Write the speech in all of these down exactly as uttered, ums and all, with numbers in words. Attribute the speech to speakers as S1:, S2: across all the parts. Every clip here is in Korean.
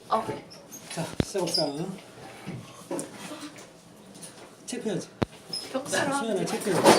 S1: 오케이.
S2: 자, 시작합시다. 체크해야지. 수연아 체크해야지.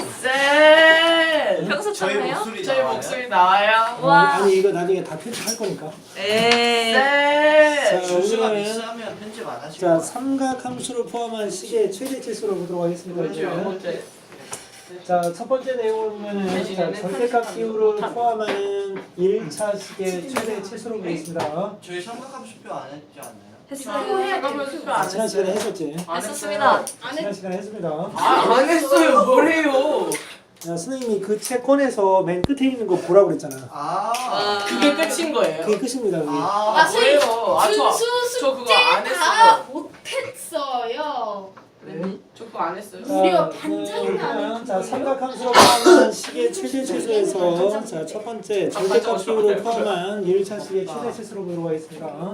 S1: 쌤. 평소
S3: 저희
S1: 처럼요?
S3: 목소리
S1: 저희
S3: 나와요?
S1: 목소리 나와요.
S2: 어,
S1: 와.
S2: 아니 이거 나중에 다 편집할 거니까.
S1: 에.
S2: 자,
S1: 쌤.
S3: 준수가
S2: 오늘은
S3: 미스하면 편집 안 하실
S2: 자,
S3: 거예요.
S2: 삼각 함수를 포함한 식의 최대 치수로 보도록 하겠습니다.
S1: 먼저
S2: 이제.
S1: 먼저.
S2: 자, 첫 번째 내용을 보면은 자, 절대값 기호를 포함하는 일 차 식의 최대 치수로 보겠습니다.
S3: 저희 삼각함수표 안 했지 않나요?
S1: 했어요. 잠깐만
S2: 아, 지난 시간에 했었지.
S1: 했었습니다.
S2: 지난 시간에 했습니다.
S1: 안 했어요. 뭐래요?
S2: 야, 선생님이 그 책 꺼내서 맨 끝에 있는 거 보라고 그랬잖아.
S3: 아,
S1: 그게 끝인 거예요?
S2: 그게 끝입니다. 그게.
S3: 아,
S1: 아, 뭐예요? 아, 저,
S4: 준수
S1: 저 그거
S4: 숙제
S1: 안
S4: 다
S1: 했어요.
S4: 못했어요.
S2: 네.
S1: 저 그거 안 했어요.
S2: 자,
S4: 무려
S2: 그,
S4: 반장이 안
S2: 그러면 자,
S4: 했고요.
S2: 삼각함수로 포함한 식의 최대 치수에서 자, 첫 번째 절대값 기호를 포함한 일 차 식의 최대 치수로 보도록 하겠습니다.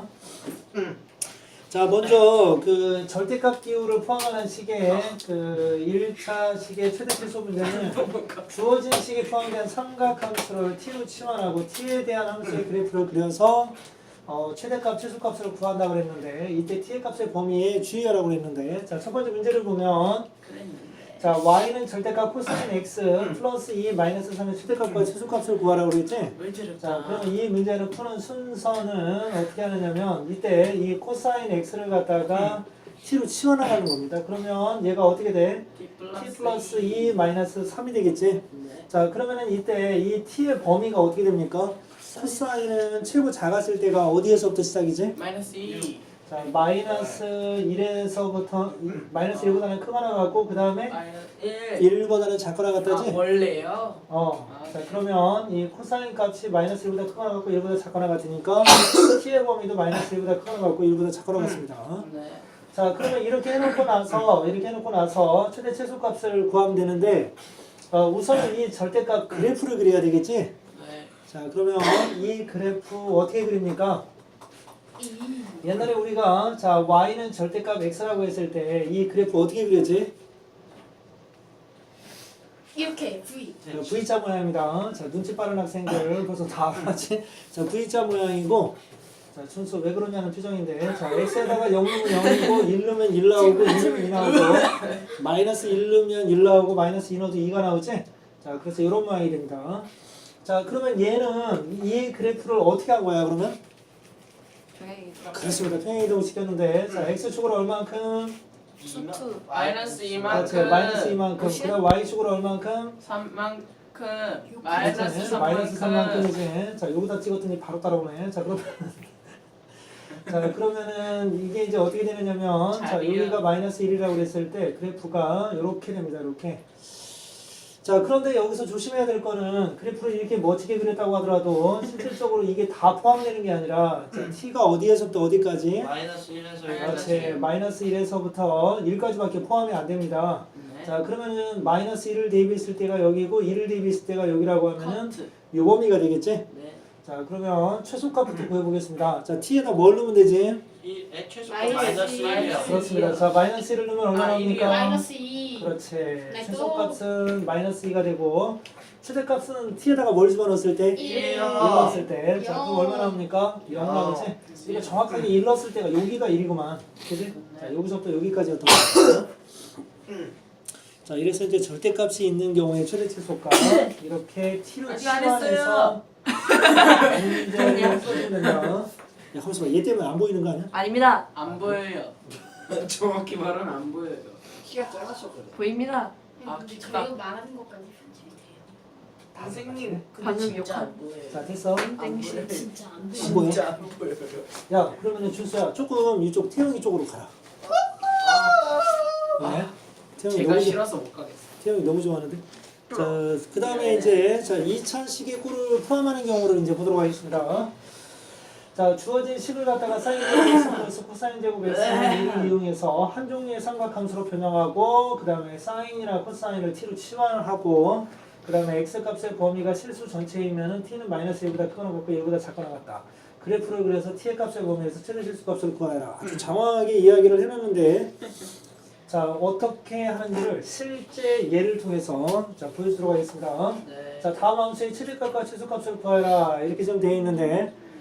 S2: 자, 먼저 그 절대값 기호를 포함하는 식의 그 일 차 식의 최대 치수 문제는 주어진 식에 포함된 삼각함수를 t로 치환하고 t에 대한 함수의 그래프를 그려서 어, 최대값, 최소값을 구한다고 그랬는데 이때 t의 값의 범위에 주의하라고 그랬는데 자, 첫 번째 문제를 보면 자, y는 절대값 코사인 x 플러스 이 마이너스 삼의 최대값과 최소값을 구하라고 그랬지?
S1: 왜 저랬다?
S2: 자, 그럼 이 문제를 푸는 순서는 어떻게 하느냐면 이때 이 코사인 x를 갖다가 t로 치워나가는 겁니다. 그러면 얘가 어떻게 돼? t 플러스 이 마이너스 삼이 되겠지? 자, 그러면은 이때 이 t의 범위가 어떻게 됩니까? 코사인은 최고 작았을 때가 어디에서부터 시작이지?
S1: 마이너스 이.
S2: 자, 마이너스 일에서부터 마이너스 일보다는 크거나 같고 그 다음에
S1: 마이너스 일.
S2: 일보다는 작거나 같다지?
S1: 아, 원래요?
S2: 어. 자, 그러면 이 코사인 값이 마이너스 일보다 크거나 같고 일보다 작거나 같으니까 t의 범위도 마이너스 일보다 크거나 같고 일보다 작거나 같습니다.
S1: 네.
S2: 자, 그러면 이렇게 해놓고 나서 이렇게 해놓고 나서 최대 최소값을 구하면 되는데 어, 우선 이 절대값 그래프를 그려야 되겠지?
S1: 네.
S2: 자, 그러면 이 그래프 어떻게 그립니까? 옛날에 우리가 자 y는 절대값 x라고 했을 때 이 그래프 어떻게 그렸지?
S4: 이렇게 V.
S2: 자, V자 모양입니다. 자, 눈치 빠른 학생들 벌써 다 알았지? 자, V자 모양이고 자, 준수 왜 그러냐는 표정인데 자, x에다가 영 넣으면 영이고 일 넣으면 일 나오고 이 넣으면 이 나오고 마이너스 일 넣으면 일 나오고 마이너스 이 넣어도 이가 나오지? 자, 그래서 이런 모양이 됩니다. 자, 그러면 얘는 이 그래프를 어떻게 한 거야 그러면? 그렇습니다. 평행이동을 시켰는데 자, x축으로 얼만큼?
S4: 수투.
S1: 마이너스
S2: 그렇지,
S1: 이만큼.
S2: 마이너스 이만큼. 그럼 y축으로 얼만큼?
S1: 삼만큼.
S2: 그렇지,
S1: 마이너스
S2: 마이너스
S1: 삼만큼.
S2: 삼만큼이지. 자, 여기다 찍었더니 바로 따라오네. 자, 그러면 자, 그러면은 이게 이제 어떻게 되느냐면 자,
S1: 자리요.
S2: 여기가 마이너스 일이라고 그랬을 때 그래프가 이렇게 됩니다. 이렇게. 자, 그런데 여기서 조심해야 될 거는 그래프를 이렇게 멋지게 그렸다고 하더라도 실질적으로 이게 다 포함되는 게 아니라 자, t가 어디에서부터 어디까지?
S3: 마이너스 일에서
S2: 그렇지. 마이너스 일에서부터 일까지밖에 포함이 안 됩니다.
S1: 네.
S2: 자, 그러면은 마이너스 일을 대입했을 때가 여기고 일을 대입했을 때가 여기라고 하면은
S1: 커트.
S2: 요 범위가 되겠지?
S1: 네.
S2: 자, 그러면 최소값부터 구해보겠습니다. 자, t에다 뭘 넣으면 되지?
S3: 이 최소
S4: 마이너스
S3: 마이너스
S4: 일.
S3: 일이요.
S2: 그렇습니다. 자, 마이너스 일을 넣으면 얼마
S1: 아,
S2: 나옵니까?
S4: 마이너스 이.
S2: 그렇지.
S4: 네, 또.
S2: 최소값은 마이너스 이가 되고 최대값은 t에다가 뭘 집어넣었을 때? 일
S4: 일.
S2: 넣었을 때. 자, 그럼
S4: 영.
S2: 얼마 나옵니까? 영 나오지? 이거 정확하게 일 넣었을 때가 여기가 일이구만. 그지? 자, 여기서부터 여기까지였던 거죠. 자, 이래서 이제 절대값이 있는 경우에 최대 최소값 이렇게 t로
S1: 아직 안
S2: 치환해서 문제를 써주면 된다. 야, 잠시만, 얘 때문에 안 보이는 거 아니야?
S5: 아닙니다.
S1: 안 보여요. 정확히 말하면 안 보여요.
S3: 키가 작아서 그래.
S5: 보입니다.
S1: 아,
S4: 근데
S1: 기가.
S4: 저희가 말하는 것까지 편집이 돼요.
S1: 선생님, 근데
S5: 방금
S1: 진짜
S5: 욕한-
S1: 안 보여요.
S2: 자, 됐어.
S1: 안
S5: 땡시.
S1: 보여요.
S4: 진짜 안 돼.
S2: 안 보여?
S1: 진짜 안 보여요.
S2: 야, 그러면은 준수야, 조금 이쪽 태영이 쪽으로 가라. 네? 태영이
S1: 제가
S2: 너무, 좋-
S1: 싫어서 못 가겠어요.
S2: 태영이 너무 좋아하는데. 자, 그 다음에 이제 자 이 차 식의 꼴을 포함하는 경우를 이제 보도록 하겠습니다. 자, 주어진 식을 갖다가 사인 제곱 x 플러스 코사인 제곱 x를 이용해서 한 종류의 삼각함수로 변형하고 그 다음에 사인이나 코사인을 t로 치환을 하고 그 다음에 x값의 범위가 실수 전체이면은 t는 마이너스 일보다 크거나 같고 일보다 작거나 같다. 그래프를 그려서 t의 값의 범위에서 최대 실수값을 구하라. 아주 장황하게 이야기를 해놨는데 자, 어떻게 하는지를 실제 예를 통해서 자, 보여주도록 하겠습니다.
S1: 네.
S2: 자, 다음 함수의 최대값과 최소값을 구하라 이렇게 좀 되어 있는데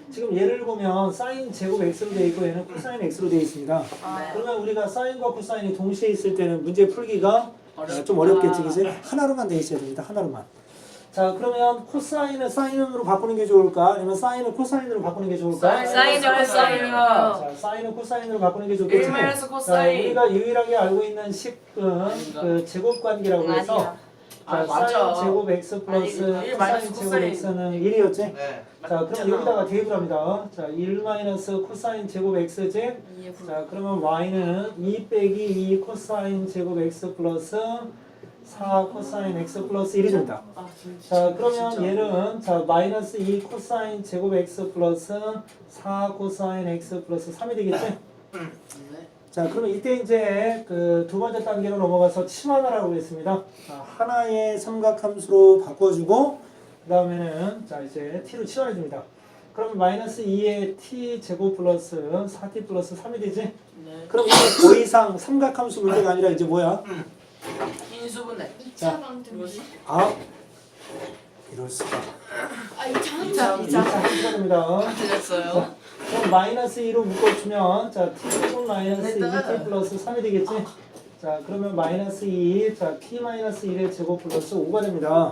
S2: 지금 예를 보면 사인 제곱 x로 되어 있고 얘는 코사인 x로 되어 있습니다.
S1: 네.
S2: 그러면 우리가 사인과 코사인이 동시에 있을 때는 문제 풀기가
S1: 어렵다.
S2: 좀 어렵겠지, 그지? 하나로만 돼 있어야 됩니다. 하나로만. 자, 그러면 코사인을 사인으로 바꾸는 게 좋을까? 아니면 사인을 코사인으로 바꾸는 게 좋을까?
S1: 사인으로
S4: 사인으로.
S2: 자, 사인을 코사인으로 바꾸는 게 좋겠지?
S1: 일 마이너스
S2: 자,
S1: 코사인.
S2: 우리가 유일하게 알고 있는 식은 그 제곱 관계라고 해서
S4: 아니야.
S1: 아,
S2: 자,
S1: 맞아.
S2: 사인 제곱 x 플러스
S1: 아니, 일 마이너스
S2: 사인 제곱
S1: 코사인.
S2: x는 일이었지?
S3: 네.
S2: 자, 그럼 여기다가 대입을 합니다. 자, 일 마이너스 코사인 제곱 x지? 자, 그러면 y는 이 빼기 이 코사인 제곱 x 플러스 사 코사인 x 플러스 일이 된다.
S1: 아, 진짜.
S2: 자, 그러면
S1: 진짜.
S2: 얘는 자 마이너스 이 코사인 제곱 x 플러스 사 코사인 x 플러스 삼이 되겠지?
S1: 네.
S2: 자, 그러면 이때 이제 그 두 번째 단계로 넘어가서 치환하라고 했습니다. 자, 하나의 삼각함수로 바꿔주고 그 다음에는 자 이제 t로 치환해 줍니다. 그러면 마이너스 이의 t 제곱 플러스 사 티 플러스 삼이 되지?
S1: 네.
S2: 그럼 이게 더 이상 삼각함수 문제가 아니라 이제 뭐야?
S1: 인수분해.
S4: 이 차 방정식.
S2: 아, 이럴 수가.
S4: 아, 이 차
S1: 이
S4: 방정식.
S1: 차-
S2: 이 차 함수가 됩니다.
S1: 틀렸어요.
S2: 그럼 마이너스 이로 묶어주면 자 t제곱 마이너스 이 티 플러스 삼이 되겠지? 자 그러면 마이너스 이, 자 t 마이너스 일의 제곱 플러스 오가 됩니다.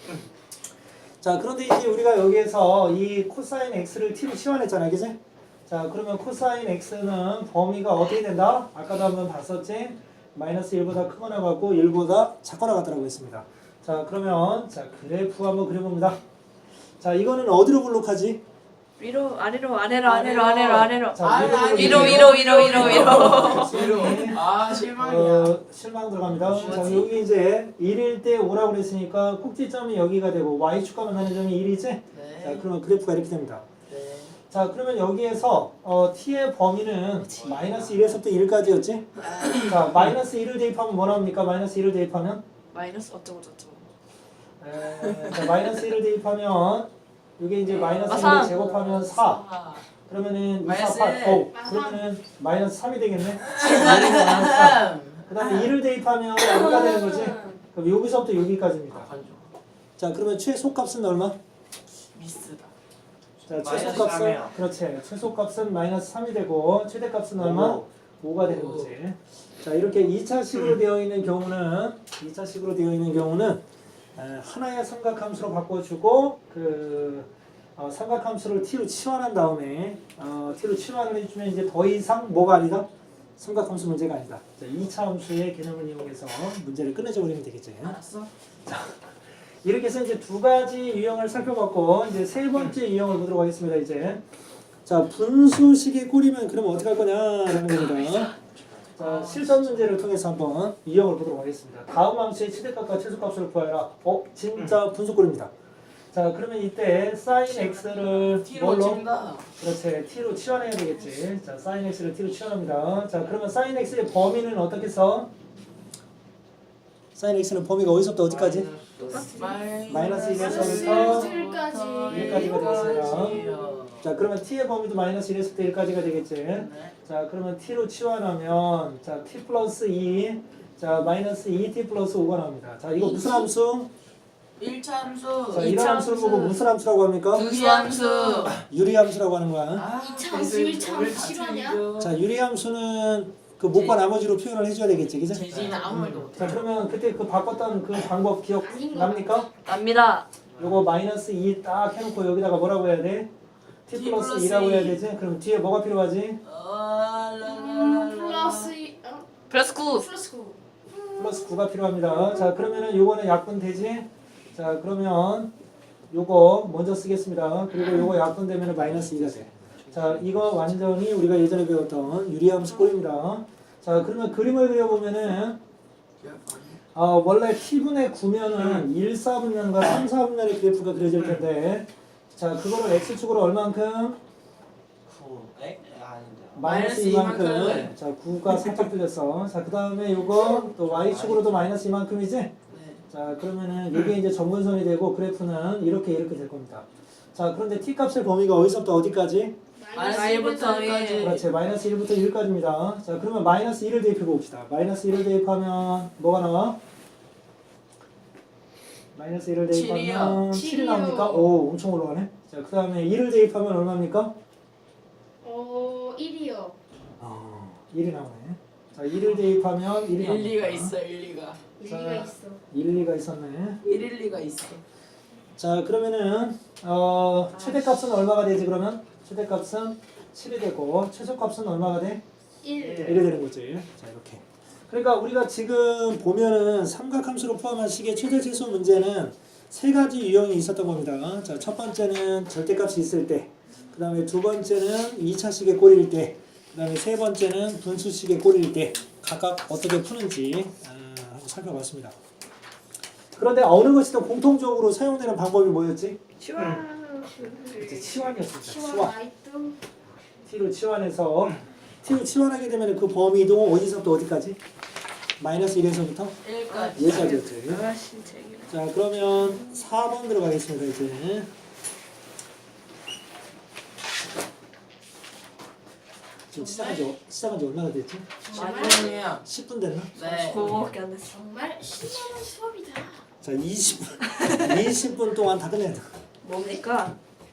S2: 자 그런데 이제 우리가 여기에서 이 코사인 x를 t로 치환했잖아, 그지? 자 그러면 코사인 x는 범위가 어떻게 된다? 아까도 한번 봤었지? 마이너스 일보다 크거나 같고 일보다 작거나 같다라고 했습니다. 자 그러면 자 그래프 한번 그려봅니다. 자 이거는 어디로 블록하지?
S5: 위로 아래로 아래로 아래로 아래로 아래로
S2: 자,
S1: 아니, 아니,
S5: 위로 위로 위로 위로 위로
S1: 위로. 아, 실망이야.
S2: 어, 실망 들어갑니다. 자, 여기 이제 일일 때 오라고 그랬으니까 꼭지점이 여기가 되고 y축과 만나는 점이 일이지? 자,
S1: 네.
S2: 그러면 그래프가 이렇게 됩니다.
S1: 네.
S2: 자, 그러면 여기에서 어, t의 범위는 마이너스 일에서부터 일까지였지? 자, 마이너스 일을 대입하면 뭐 나옵니까? 마이너스 일을 대입하면?
S5: 마이너스 어쩌고 저쩌고
S2: 에, 자, 마이너스 일을 대입하면 이게 이제 마이너스
S5: 아, 삼.
S2: 일을 제곱하면 사. 그러면은 이, 사,
S1: 마이너스
S2: 팔, 오.
S4: 아,
S2: 그러면은 마이너스 삼이 되겠네?
S1: 음.
S2: 그 다음에 일을 대입하면 얼마가 되는 거지? 그럼 여기서부터 여기까지입니다. 자, 그러면 최소값은 얼마?
S1: 미스다.
S2: 자,
S3: 마이너스
S2: 최소값은
S3: 삼이요.
S2: 그렇지. 최소값은 마이너스 삼이 되고 최대값은 얼마? 오가 되는 거지. 자, 이렇게 이 차식으로 되어 있는 경우는 이 차식으로 되어 있는 경우는 에, 하나의 삼각함수로 바꿔주고 그 어, 삼각함수를 t로 치환한 다음에 어, t로 치환을 해주면 이제 더 이상 뭐가 아니다? 삼각함수 문제가 아니다. 자, 이 차 함수의 개념을 이용해서 문제를 끝내줘 버리면 되겠지.
S1: 알았어?
S2: 이렇게 해서 이제 두 가지 유형을 살펴봤고 이제 세 번째 유형을 보도록 하겠습니다. 이제 자 분수식의 꼴이면 그럼 어떻게 할 거냐라는 겁니다. 자 실전 문제를 통해서 한번 유형을 보도록 하겠습니다. 다음 함수의 최대값과 최소값을 구하라. 어 진짜 분수꼴입니다. 자 그러면 이때 sin x를
S1: T로
S2: 뭘로?
S1: 친다.
S2: 그렇지 t로 치환해야 되겠지. 자 sin x를 t로 치환합니다. 자 그러면 sin x의 범위는 어떻게 써? sin x는 범위가 어디서부터 어디까지? 마이너스 일에서부터
S4: 일까지.
S2: 일까지가 되겠습니다. 자 그러면 t의 범위도 마이너스 일에서부터 일까지가 되겠지.
S1: 네.
S2: 자 그러면 t로 치환하면 자 t 플러스 이, 자 마이너스 이 티 플러스 오가 나옵니다. 자 이거 무슨 함수?
S1: 일 차 함수.
S2: 자 이런 함수를 보고 무슨 함수라고 합니까?
S1: 유리함수.
S2: 유리함수라고 하는 거야.
S1: 아,
S4: 이 차 함수, 일 차
S1: 오늘
S4: 함수
S1: 다
S4: 실화냐?
S1: 틀리죠.
S2: 자 유리함수는 그 못과 나머지로 표현을 해줘야 되겠지, 그죠?
S1: 재진이는 아무 말도 못해.
S2: 자 그러면 그때 그 바꿨던 그 방법 기억
S4: 아닌 거
S2: 납니까?
S5: 납니다.
S2: 요거 마이너스 이 딱 해놓고 여기다가 뭐라고 해야 돼? t
S1: T
S2: 플러스
S1: 플러스
S2: 이라고 해야
S1: 이.
S2: 되지? 그럼 뒤에 뭐가 필요하지?
S1: 아,
S4: 음, 플러스 이- 어?
S5: 플러스 구
S4: 플러스 구.
S2: 플러스 구가 필요합니다. 자 그러면은 요거는 약분 되지? 자 그러면 요거 먼저 쓰겠습니다. 그리고 요거 약분 되면은 마이너스 이가 돼. 자 이거 완전히 우리가 예전에 배웠던 유리함수 꼴입니다. 자 그러면 그림을 그려보면은 어, 원래 t분의 구면은 일 사분면과 삼 사분면의 그래프가 그려질 텐데 자 그거를 x축으로 얼만큼?
S3: 구. 에? 아닌데.
S2: 마이너스
S1: 마이너스
S2: 이만큼.
S1: 이만큼.
S2: 자 구가 살짝 틀렸어. 자 그 다음에 요거 또 y축으로도 마이너스 이만큼이지?
S1: 네.
S2: 자 그러면은 이게 이제 점근선이 되고 그래프는 이렇게 이렇게 될 겁니다. 자 그런데 t 값의 범위가 어디서부터 어디까지?
S1: 마이너스
S5: 마이너스
S1: 일부터
S5: 일부터
S1: 일까지.
S2: 그렇지 마이너스 일부터 일까지입니다. 자 그러면 마이너스 일을 대입해 봅시다. 마이너스 일을 대입하면 뭐가 나와? 마이너스 일을
S1: 칠이요.
S2: 대입하면 칠이
S4: 칠이요.
S2: 나옵니까? 오, 엄청 올라가네. 자, 그 다음에 일을 대입하면 얼마입니까?
S4: 어 일이요.
S2: 어, 일이 나오네. 자, 일을 대입하면 일이 나옵니다.
S1: 일리가 있어 일리가.
S4: 일리가 있어.
S2: 일리가 있었네.
S1: 일일리가 있어.
S2: 자, 그러면은 어, 최대값은 얼마가 되지 그러면? 최대값은 칠이 되고 최소값은 얼마가 돼?
S4: 일.
S2: 일이 되는 거지. 자, 이렇게. 그러니까 우리가 지금 보면은 삼각함수로 포함한 식의 최대 최소 문제는 세 가지 유형이 있었던 겁니다. 자, 첫 번째는 절대값이 있을 때, 그 다음에 두 번째는 이 차식의 꼴일 때, 그 다음에 세 번째는 분수식의 꼴일 때 각각 어떻게 푸는지 아, 한번 살펴봤습니다. 그런데 어느 것이든 공통적으로 사용되는 방법이 뭐였지?
S5: 치환.
S2: 이제 치환이었습니다.
S4: 시원
S2: 치환.
S4: 라이트.
S2: t로 치환해서 t로 치환하게 되면 그 범위 이동은 어디서부터 어디까지? 마이너스 일에서부터
S1: 일까지.
S2: 여기까지였지.
S5: 아 신책이네.
S2: 자, 그러면 사 번 들어가겠습니다. 이제 지금 시작한 지, 시작한 지 얼마나 됐지?
S1: 아니에요.
S2: 십 분 됐나?
S1: 네.
S5: 그거밖에 안 됐어.
S4: 정말 신나는 수업이다.
S2: 자, 이십 분 이십 분 동안 다 끝내야 돼.
S5: 뭡니까?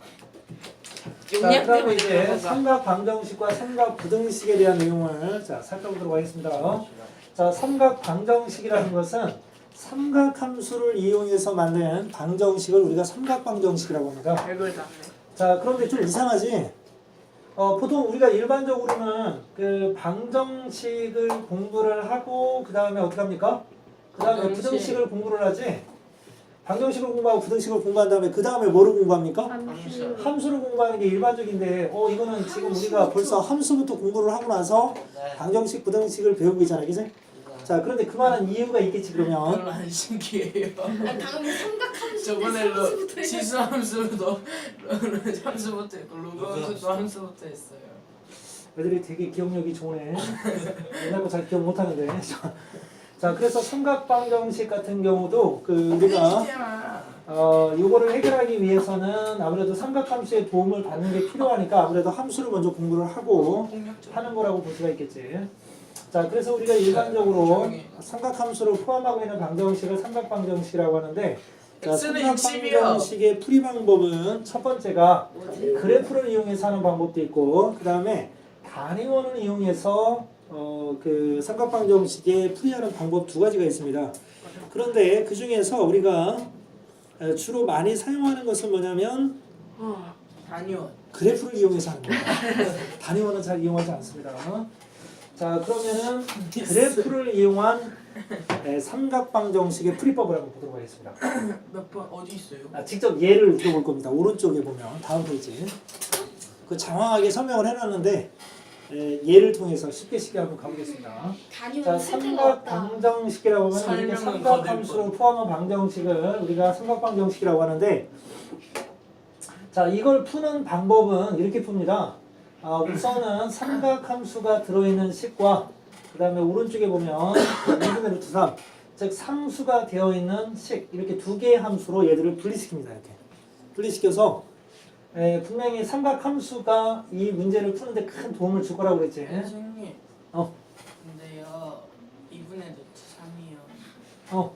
S2: 자,
S5: 용량
S2: 그럼
S5: 때문에
S2: 이제
S5: 그런 건가?
S2: 삼각 방정식과 삼각 부등식에 대한 내용을 자, 살펴보도록 하겠습니다. 자, 삼각 방정식이라는 것은 삼각함수를 이용해서 만든 방정식을 우리가 삼각 방정식이라고 합니다.
S5: 별걸 다 네
S2: 자, 그런데 좀 이상하지? 어, 보통 우리가 일반적으로는 그 방정식을 공부를 하고 그 다음에 어떻게 합니까? 그 다음에
S1: 방정식.
S2: 부등식을 공부를 하지? 방정식을 공부하고 부등식을 공부한 다음에 그 다음에 뭐를 공부합니까?
S5: 함수.
S2: 함수를 공부하는 게 일반적인데 어 이거는 지금 우리가 벌써 함수부터 공부를 하고 나서
S3: 네.
S2: 방정식, 부등식을 배우고 있잖아, 그지? 자, 그런데 그만한 이유가 있겠지 그러면.
S1: 별로 안 신기해요.
S4: 아 당연히 삼각함수.
S1: 저번에 로 지수함수도 함수부터 했고 로그함수도 함수부터 했어요.
S2: 애들이 되게 기억력이 좋네. 옛날 거 잘 기억 못하는데. 자, 그래서 삼각방정식 같은 경우도 그 우리가
S1: 진짜.
S2: 어 이거를 해결하기 위해서는 아무래도 삼각함수의 도움을 받는 게 필요하니까 아무래도 함수를 먼저 공부를 하고
S1: 폭력적.
S2: 하는 거라고 볼 수가 있겠지. 자, 그래서 우리가 일반적으로
S1: 조용히.
S2: 삼각함수를 포함하고 있는 방정식을 삼각방정식이라고 하는데, 자,
S1: X는 육십이요.
S2: 삼각방정식의 풀이 방법은 첫 번째가 그래프를 이용해서 하는 방법도 있고, 그 다음에 단위원을 이용해서 어, 그 삼각방정식의 풀이하는 방법 두 가지가 있습니다. 그런데 그 중에서 우리가 주로 많이 사용하는 것은 뭐냐면
S5: 어.
S1: 단위원.
S2: 그래프를 이용해서 하는 거예요. 단위원은 잘 이용하지 않습니다. 자, 그러면은 그래프를 이용한 네, 삼각방정식의 풀이법을 한번 보도록 하겠습니다.
S1: 몇 번 어디 있어요?
S2: 아, 직접 예를 들어볼 겁니다. 오른쪽에 보면 다음 페이지. 그 장황하게 설명을 해놨는데 에, 예를 통해서 쉽게 쉽게 한번 가보겠습니다. 자,
S4: 단위원 쓸데가 없다.
S2: 삼각방정식이라고 하면 이렇게
S1: 설명은
S2: 삼각함수로
S1: 거들
S2: 포함한 방정식을 우리가 삼각방정식이라고 하는데, 자, 이걸 푸는 방법은 이렇게 풉니다. 아, 우선은 삼각함수가 들어있는 식과 그 다음에 오른쪽에 보면 이분의 루트 삼, 즉 상수가 되어 있는 식, 이렇게 두 개의 함수로 얘들을 분리시킵니다. 이렇게 분리시켜서 에, 분명히 삼각함수가 이 문제를 푸는데 큰 도움을 줄 거라고 그랬지.
S1: 선생님.
S2: 어.
S1: 근데요. 이분의 노트 삼이요.
S2: 어,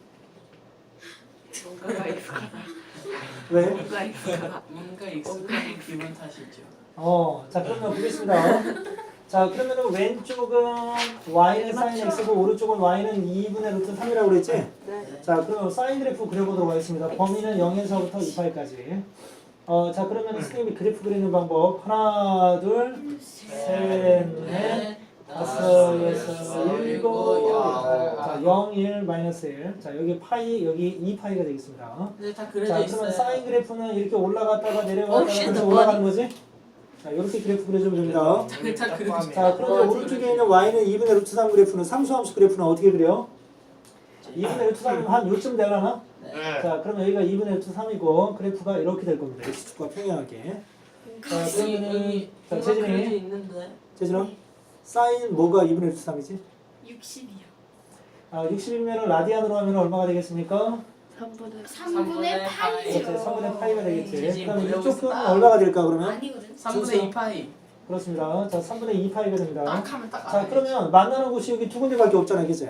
S5: 뭔가가 익숙하다.
S2: 왜?
S5: 뭔가 익숙하다.
S1: 뭔가 익숙한 기분 탓이죠.
S2: 어, 자, 그러면 보겠습니다. 자, 그러면은 왼쪽은 y는 sin x고 오른쪽은 y는 이분의 루트 삼이라고 그랬지?
S5: 네.
S2: 자, 그러면 사인 그래프 그려보도록 하겠습니다. 범위는 영에서부터 이 파이까지. 어, 자, 그러면 선생님이 그래프 그리는 방법 하나, 둘, 셋, 넷, 다섯, 여섯, 일곱, 자, 영, 일, 마이너스 일. 자, 여기 파이, 여기 이 파이가 되겠습니다.
S1: 근데 다
S2: 자,
S1: 그려져
S2: 그러면
S1: 있어요.
S2: 사인 그래프는 이렇게 올라갔다가 내려갔다가
S5: 어, 쉣,
S2: 다시
S5: 너
S2: 올라가는 거지? 자, 이렇게 그래프 그려주면 됩니다.
S1: 다 그려져 있어요.
S2: 자, 그러면 오른쪽에 있는 y는 이분의 루트 삼 그래프는 상수함수 그래프는 어떻게 그려? 이분의 루트 삼이면 한 요쯤 되려나?
S3: 네.
S2: 자, 그러면 여기가 이분의 루트 삼이고 그래프가 이렇게 될 겁니다. x축과 평행하게. 자, 그러면은 자,
S1: 그려져
S2: 재진이,
S1: 있는데.
S2: 재진아, 사인 뭐가 이분의 루트 삼이지?
S4: 육십이요.
S2: 아, 육십이면 라디안으로 하면 얼마가 되겠습니까?
S5: 삼분의
S4: 삼분의
S2: 그렇지,
S4: 파이죠.
S2: 삼분의 파이가 되겠지.
S1: 재진이
S2: 그럼
S1: 보려고
S2: 이쪽은
S1: 있어.
S2: 얼마가 될까 그러면?
S4: 아니거든.
S1: 삼분의 이 파이.
S2: 그렇습니다. 자, 삼분의 이 파이가 됩니다.
S1: 딱 하면 딱
S2: 자,
S1: 알아야지.
S2: 그러면 만나는 곳이 여기 두 군데밖에 없잖아, 그치?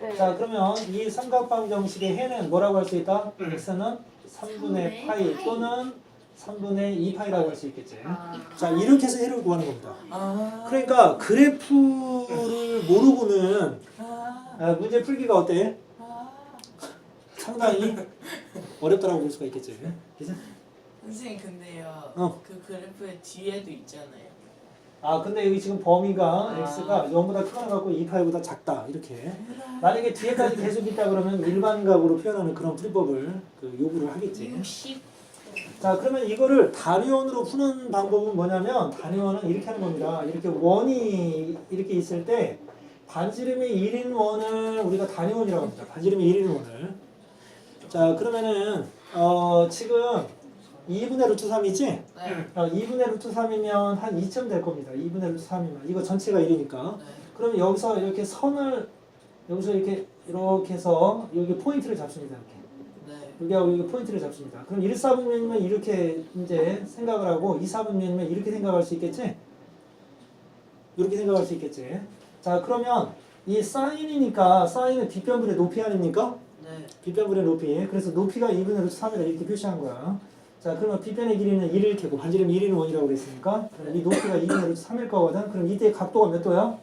S5: 네.
S2: 자 그러면 이 삼각방 정식의 해는 뭐라고 할 수 있다? x는 삼분의 파이 또는 삼분의 이 파이라고 할 수 있겠지.
S5: 아.
S2: 자 이렇게 해서 해를 구하는 겁니다.
S1: 아.
S2: 그러니까 그래프를 모르고는
S1: 아.
S2: 아, 문제 풀기가 어때?
S1: 아.
S2: 상당히 어렵다라고 볼 수가 있겠지. 그죠?
S1: 선생님 근데요.
S2: 어.
S1: 그 그래프의 뒤에도 있잖아요.
S2: 아 근데 여기 지금 범위가
S1: 아.
S2: x가 영보다 크거나 같고 이 파이보다 작다 이렇게. 만약에 뒤에까지 계속 있다 그러면 일반각으로 표현하는 그런 풀이법을 그 요구를 하겠지.
S4: 육십.
S2: 자 그러면 이거를 단위원으로 푸는 방법은 뭐냐면 단위원은 이렇게 하는 겁니다. 이렇게 원이 이렇게 있을 때 반지름이 일인 원을 우리가 단위원이라고 합니다. 반지름이 일인 원을. 자 그러면은 어 지금 이분의 루트 삼이지?
S1: 네.
S2: 어, 이분의 루트 삼이면 한 이 점 될 겁니다. 이분의 루트 삼이면 이거 전체가 일이니까.
S1: 네.
S2: 그러면 여기서 이렇게 선을 여기서 이렇게 이렇게 해서 여기 포인트를 잡습니다. 이렇게.
S1: 네.
S2: 여기하고 여기 포인트를 잡습니다. 그럼 일 사분면이면 이렇게 이제 생각을 하고 이 사분면이면 이렇게 생각할 수 있겠지? 이렇게 생각할 수 있겠지? 자 그러면 이 사인이니까 사인은 빗변분의 높이 아닙니까?
S1: 네.
S2: 빗변분의 높이. 그래서 높이가 이분의 루트 삼이다 이렇게 표시한 거야. 자 그러면 빗변의 길이는 일일 테고 반지름이 일인 원이라고 그랬으니까 그럼 이 높이가 이분의 루트 삼일 거거든. 그럼 이때 각도가 몇 도야?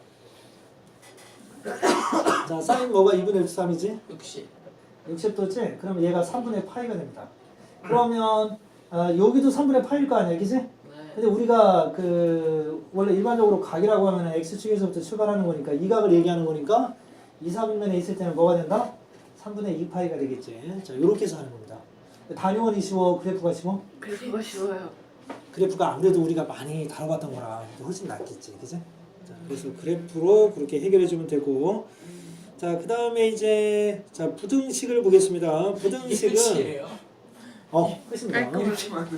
S2: 자 사인 뭐가 이분의 루트 삼이지?
S1: 육십.
S2: 육십 도지? 그러면 얘가 삼분의 파이가 됩니다. 그러면 아, 여기도 삼분의 파이일 거 아니야, 그지?
S1: 네.
S2: 근데 우리가 그 원래 일반적으로 각이라고 하면 x축에서부터 출발하는 거니까 이 각을 얘기하는 거니까 이 사분면에 있을 때는 뭐가 된다? 삼분의 이 파이가 되겠지. 자, 요렇게 해서 하는 겁니다. 단위원이 쉬워, 그래프가 쉬워?
S5: 그래프가 쉬워요.
S2: 그래프가 아무래도 우리가 많이 다뤄봤던 거라 훨씬 낫겠지, 그지? 자, 그래서 그래프로 그렇게 해결해 주면 되고, 자, 그 다음에 이제 자 부등식을 보겠습니다. 부등식은
S1: 끝이에요.
S2: 어 끝입니다.
S1: 이렇게 많은.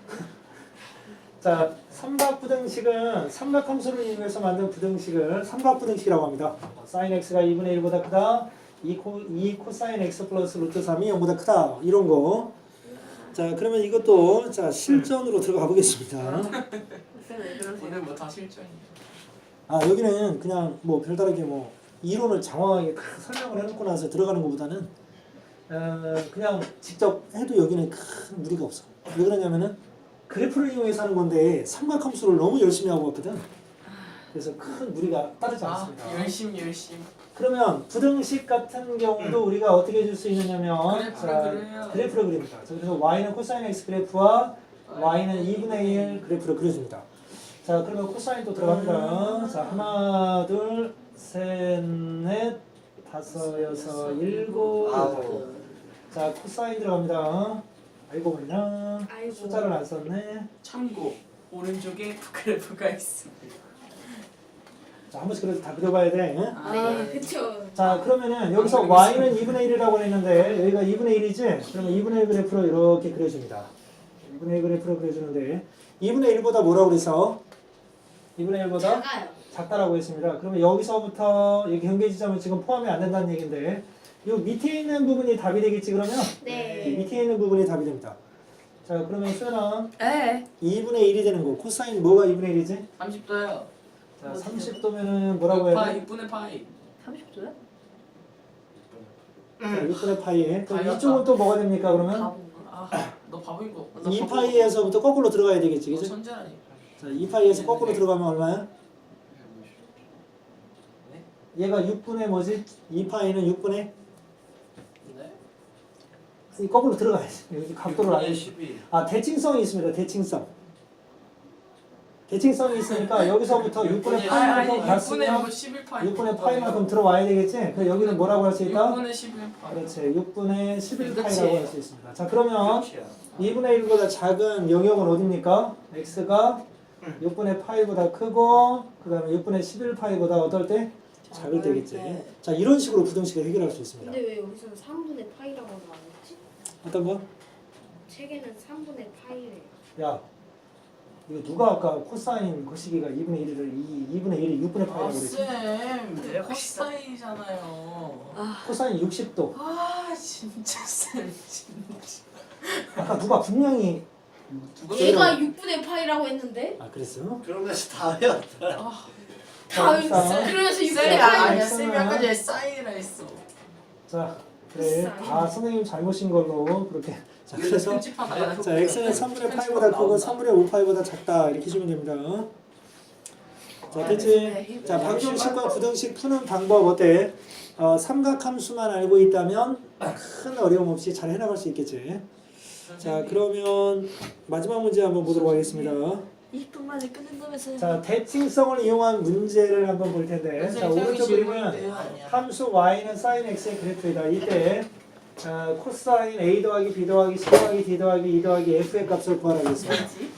S2: 자, 삼각부등식은 삼각함수를 이용해서 만든 부등식을 삼각부등식이라고 합니다. 사인 x가 이분의 일보다 크다. 이 코, 이 코사인 x 플러스 루트 삼이 영보다 크다. 이런 거. 자, 그러면 이것도 자 실전으로 들어가 보겠습니다.
S5: 쌤 왜 그러세요?
S1: 오늘 뭐 다 실전이에요.
S2: 아, 여기는 그냥 뭐 별다르게 뭐 이론을 장황하게 크- 설명을 해놓고 나서 들어가는 것보다는 어, 그냥 직접 해도 여기는 큰 무리가 없어. 왜 그러냐면은 그래프를 이용해서 하는 건데 삼각함수를 너무 열심히 하고 왔거든. 그래서 큰 무리가 따르지
S1: 아
S2: 않습니다.
S1: 열심 열심.
S2: 그러면 부등식 같은 경우도 우리가 어떻게 해줄 수 있느냐면
S1: 그래프를
S2: 자,
S1: 그려요.
S2: 그래프를 그립니다. 자, 그래서 y는 코사인 x 그래프와 y는 이분의 일 그래프를 그려줍니다. 자 그러면 코사인도 들어갑니다. 자 하나 둘 셋 넷 다섯 여섯 일곱
S3: 아우.
S2: 자 코사인 들어갑니다. 아이고 뭐냐
S4: 아이고.
S2: 숫자를 안 썼네.
S1: 참고 오른쪽에 그래프가 있습니다.
S2: 자 한 번씩 그래도 다 그려봐야 돼. 응?
S1: 아,
S4: 네, 그쵸.
S2: 자 그러면은 여기서 y는 이분의 일이라고 했는데 여기가 이분의 일이지? 그러면 이분의 일 그래프로 이렇게 그려줍니다. 이분의 일 그래프로 그려주는데 이분의 일보다 뭐라고 그래서? 이분의 일보다
S4: 작아요.
S2: 작다라고 했습니다. 그러면 여기서부터 여기 경계 지점은 지금 포함이 안 된다는 얘기인데 이 밑에 있는 부분이 답이 되겠지 그러면? 이
S4: 네.
S2: 밑에 있는 부분이 답이 됩니다. 자 그러면 수연아
S5: 에.
S2: 이분의 일이 되는 거 코사인 뭐가 이분의 일이지?
S1: 삼십 도요.
S2: 자 삼십 도면은 뭐라고 해야
S1: 파이
S2: 돼?
S1: 육분의 파이.
S5: 삼십 도요?
S2: 자, 육분의 파이에 그럼
S1: 파이였다.
S2: 이쪽은 또 뭐가 됩니까 그러면?
S5: 바본가?
S1: 아너 바보인 거. 너
S2: 이
S1: 바보.
S2: 파이에서부터 거꾸로 들어가야 되겠지
S1: 너
S2: 그죠?
S1: 천재라니.
S2: 자, 이 파이에서 거꾸로 들어가면 얼마야? 얘가 육분의 뭐지? 이 파이는 육분의
S1: 네.
S2: 이 거꾸로 들어가야지. 여기 각도를 안 해.
S3: 십이.
S2: 아, 대칭성이 있습니다. 대칭성. 대칭성이 있으니까 여기서부터 육분의
S1: 아니
S2: 파이만큼
S1: 아니 육분의
S2: 갔으면
S1: 뭐 십일 파이.
S2: 육분의 파이만큼 들어와야 되겠지? 그럼 여기는 뭐라고 할 수 있다?
S1: 육분의 십일 파이.
S2: 그렇지. 육분의 십일
S1: 그치.
S2: 파이라고 할 수 있습니다. 자, 그러면
S3: 끝이야.
S2: 이분의 일보다 작은 영역은 어딥니까? x가 육분의 파이보다 크고 그 다음에 육분의 십일 파이보다 어떨 때? 작을 때겠지. 자, 이런 식으로 부등식을 해결할 수 있습니다.
S4: 근데 왜 여기서는 삼분의 파이라고 안 했지?
S2: 어떤 거?
S4: 책에는 삼분의 파이래요.
S2: 야, 이거 누가 아까 코사인 거시기가 이분의 일을 이분의 일이 육분의 파이라고 그랬지?
S1: 아쌤 코사인이잖아요.
S2: 코사인 육십 도.
S1: 아 진짜 쌤 진짜.
S2: 아까 누가 분명히
S1: 누가
S4: 얘가 육분의 파이라고 했는데?
S2: 아 그랬어?
S3: 그러면서 다 외웠다.
S1: 아,
S4: 다
S2: 자,
S4: 그러면서 육분의
S1: 쌤이
S4: 파이.
S1: 아니야
S2: X는
S1: 쌤이 아까 전에 사인이라 했어.
S2: 자, 그래. 다 선생님 잘못인 걸로 그렇게. 자, 그래서
S1: 편집하다가
S2: 자, x는 삼분의 파이보다 크고 삼분의 오 파이보다 작다 이렇게 주면 됩니다. 자, 됐지? 자, 방정식과 부등식 푸는 방법 어때? 어, 삼각함수만 알고 있다면 큰 어려움 없이 잘 해나갈 수 있겠지. 자, 그러면 마지막 문제 한번 보도록 하겠습니다.
S5: 이십 분 만에 끝낸다면서요?
S2: 자, 대칭성을 이용한 문제를 한번 볼 텐데, 자, 오른쪽 그림은 함수 y는 sin x의 그래프이다. 이때 어, 코사인 a 더하기 b 더하기 c 더하기 d 더하기 e 더하기 f의 값을 구하라고 했어요.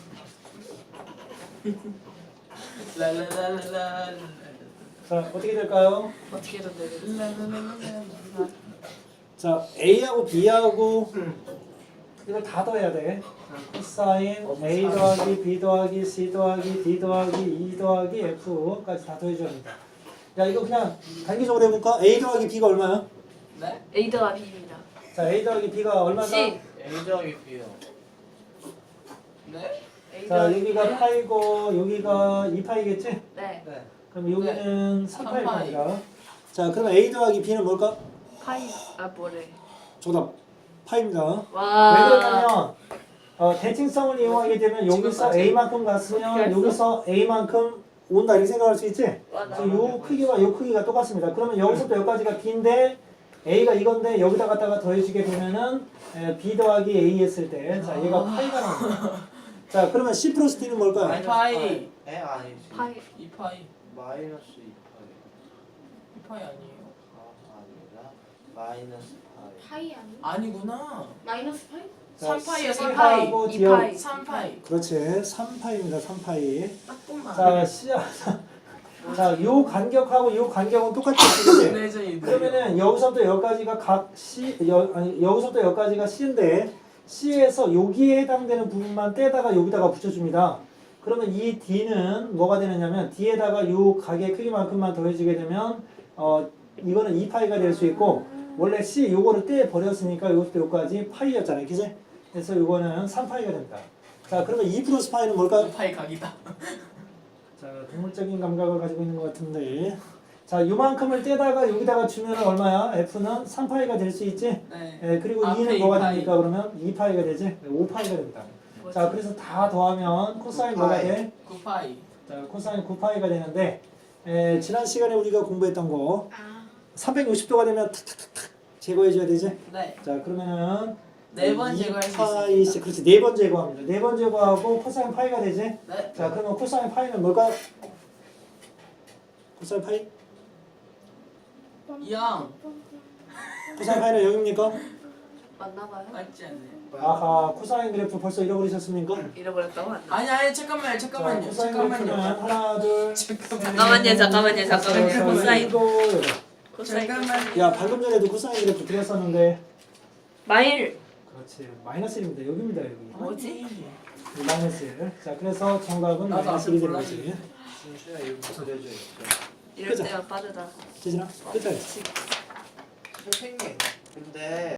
S1: 랄랄랄랄.
S2: 자, 어떻게 될까요?
S5: 어떻게 해도 되겠어?
S1: 랄랄랄랄랄.
S2: 자, a하고 b하고 이걸 다 더해야 돼. 코사인 a 더하기 b 더하기 c 더하기 d 더하기 e 더하기 f까지 다 더해줘야 합니다. 야, 이거 그냥 단기적으로 해볼까? a 더하기 b가 얼마야?
S1: 네?
S5: A 더하기 B입니다.
S2: 자, a 더하기 b가 얼마다?
S5: C.
S3: A 더하기 B요.
S1: 네?
S5: A
S2: 자,
S5: 더하기
S2: 여기가
S5: B는?
S2: 파이고 여기가 이 파이겠지?
S5: 네.
S3: 네.
S2: 그럼 여기는 삼 파일
S1: 삼 파이.
S2: 겁니다. 자, 그럼 a 더하기 b는 뭘까?
S5: 파이. 아 뭐래?
S2: 정답. 파입니다. 왜
S5: 와.
S2: 그러냐면 어, 대칭성을 이용하게 되면 여기서
S1: 지금까지.
S2: a만큼
S5: 어떻게
S2: 갔으면
S5: 했어?
S2: 여기서 a만큼 온다 이렇게 생각할 수 있지?
S5: 와 나.
S2: 그래서 요 크기와 요 크기가 똑같습니다. 그러면 여기서부터 여기까지가 b인데 a가 이건데 여기다 갖다가 더해주게 되면은 에, b 더하기 a 했을 때 자 얘가 파이가 나옵니다. 자 그러면 c 플러스 d는 뭘까요?
S1: 마이너스 파이.
S3: 에 아니지.
S5: 파이.
S1: 이 파이.
S3: 마이너스 이 파이.
S1: 이 파이 아니에요.
S3: 아 아니다. 마이너스 파이.
S4: 파이 아니?
S1: 아니구나.
S4: 마이너스 파이?
S2: 자,
S1: 삼 파이야, 삼
S2: C하고
S5: 이
S2: D하고
S5: 파이.
S1: 삼 파이.
S2: 그렇지 삼 파이입니다. 삼 파이.
S1: 딱뿐만.
S2: 자 C 자, 요 간격하고 요 간격은 똑같이 쓰는데
S1: 네, 저희
S2: 그러면은 여기서부터 여기까지가 각 C 여, 아니 여기서부터 여기까지가 C인데 C에서 여기에 해당되는 부분만 떼다가 여기다가 붙여줍니다. 그러면 이 D는 뭐가 되느냐면 D에다가 요 각의 크기만큼만 더해주게 되면 어 이거는 이 파이가 될 수 있고 원래 C 요거를 떼 버렸으니까 여기부터 여기까지 파이였잖아요, 그지? 그래서 요거는 삼 파이가 됩니다. 자, 그러면 이 플러스 파이는 뭘까요?
S1: 이 파이 각이다.
S2: 자, 동물적인 감각을 가지고 있는 것 같은데 자, 요만큼을 떼다가 여기다가 주면 얼마야? F는 삼 파이가 될 수 있지?
S1: 네.
S2: 예, 그리고
S1: 앞에
S2: 이는
S1: 이
S2: 뭐가
S1: 파이.
S2: 됩니까? 그러면 이 파이가 되지? 오 파이가 됩니다. 자, 그래서 다 더하면 코사인
S3: 구
S2: 뭐가
S3: 파이.
S2: 돼?
S1: 구 파이.
S2: 자, 코사인 구 파이가 되는데 에, 지난 시간에 우리가 공부했던 거
S4: 아.
S2: 삼백육십 도가 되면 탁탁탁탁 제거해줘야 되지?
S1: 네.
S2: 자, 그러면은
S1: 네 번
S2: 이
S1: 제거할 수
S2: 파이,
S1: 있습니다.
S2: 그렇지, 네 번 제거합니다. 네 번 제거하고 코사인 파이가 되지?
S1: 네.
S2: 자, 그러면 코사인 파이는 뭘까요? 코사인 파이?
S1: 영.
S2: 코사인 파이는 영입니까?
S5: 맞나봐요?
S1: 맞지 않네요.
S2: 아하, 코사인 그래프 벌써 잃어버리셨습니까?
S5: 잃어버렸다고 맞나?
S1: 아니 아니 잠깐만요.
S2: 자,
S1: 잠깐만요.
S2: 코사인 그래프는
S1: 잠깐만요.
S2: 하나, 둘,
S5: 잠깐만요, 잠깐만요, 잠깐만요. 코사인.
S2: 일곱, 여덟.
S5: 코사인.
S1: 잠깐만요.
S2: 야, 방금 전에도 코사인 그래프 드렸었는데
S5: 마일.
S2: 그렇지, 마이너스 일입니다. 여기입니다, 여기.
S5: 뭐지?
S2: 이 마이너스 일. 자, 그래서 정답은
S1: 나도
S2: 마이너스
S1: 앞에
S2: 일이 되는
S1: 몰랐지.
S2: 거지.
S3: 진수야 이거 그려져 있어.
S5: 이럴 때가 빠르다.
S2: 재진아, 끝까지.
S3: 선생님. 근데